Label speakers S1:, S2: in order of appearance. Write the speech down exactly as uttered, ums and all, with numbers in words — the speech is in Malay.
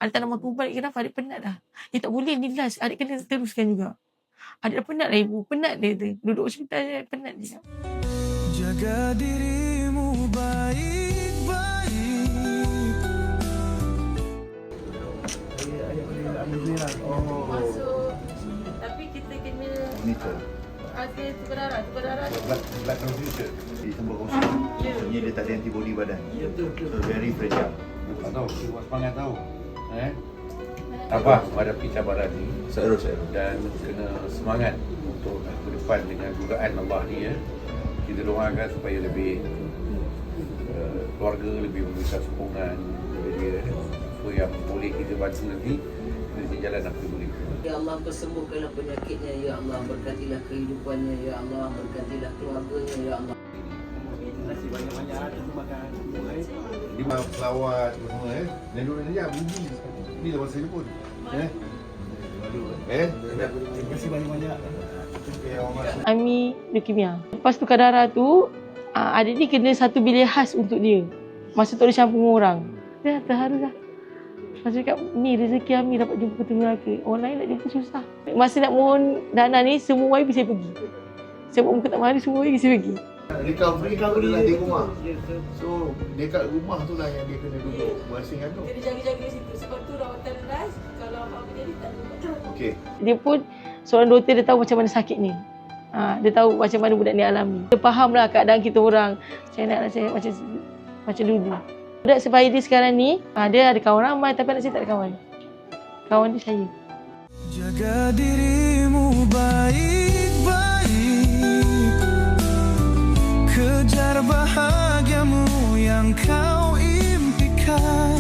S1: Adik tak nak makan ubat, kenapa? Adik penat dah. Eh tak boleh, ni last. Adik kena teruskan juga. Adik dah penat lah ibu. Penat dia tu. Duduk hospital je, penat dia.
S2: Jaga dirimu baik-baik.
S3: Oh. Masuk. Tapi kita kena
S4: monitor.
S3: Ada tukar darah, tukar darah.
S4: Blood, blood transfusion di tempat kongsi. Maksudnya dia tak ada antibody badan.
S3: Ya, betul, betul.
S4: So very fragile.
S5: Tak tahu, buat semangat tahu. Eh? Tabah menghadapi cabaran ni.
S4: Saya saya.
S5: Dan kena semangat untuk ke depan dengan dugaan Allah ni ya. Kita doakan supaya lebih uh, keluarga lebih memberikan sokongan kepada dia. Apa yang boleh kita bantu nanti, kita jalan apa boleh.
S6: Ya Allah, persembuhkanlah penyakitnya, Ya Allah, berkatilah kehidupannya, Ya Allah, berkatilah keluarganya, Ya Allah.
S5: Terima kasih banyak-banyak terima kasih.
S4: Lima pelawat semua eh. Dan dulu ni bunyi. Ni dah masa pun. Eh? Eh?
S5: Terima kasih banyak-banyak.
S1: Ami leukemia. Lepas tukar darah tu, adik ni kena satu bilik khas untuk dia. Masa tu ada campur orang. Dia terharu dah. Masa cakap, ni rezeki Ami dapat jumpa ketemu lelaki. Orang lain nak jumpa susah. Masa nak mohon dana ni, semua wifi saya pergi. Saya buat muka tak mari, semua wifi saya pergi.
S4: Recovery adalah di rumah. So, dekat rumah tu lah yang dia kena duduk berasingkan tu.
S3: Kena jaga-jaga situ. Sebab tu rawatan last, kalau apa-apa jadi tak ada.
S4: Okey.
S1: Dia pun, seorang doktor dia tahu macam mana sakit ni. Ha, dia tahu macam mana budak ni alami. Dia fahamlah keadaan kita orang. Saya naklah saya macam macam dulu. Budak sebaya dia sekarang ni, ha, dia ada kawan ramai tapi anak saya tak ada kawan. Kawan dia saya.
S2: Jaga dirimu baik-baik. Kejar bahagiamu yang kau impikan.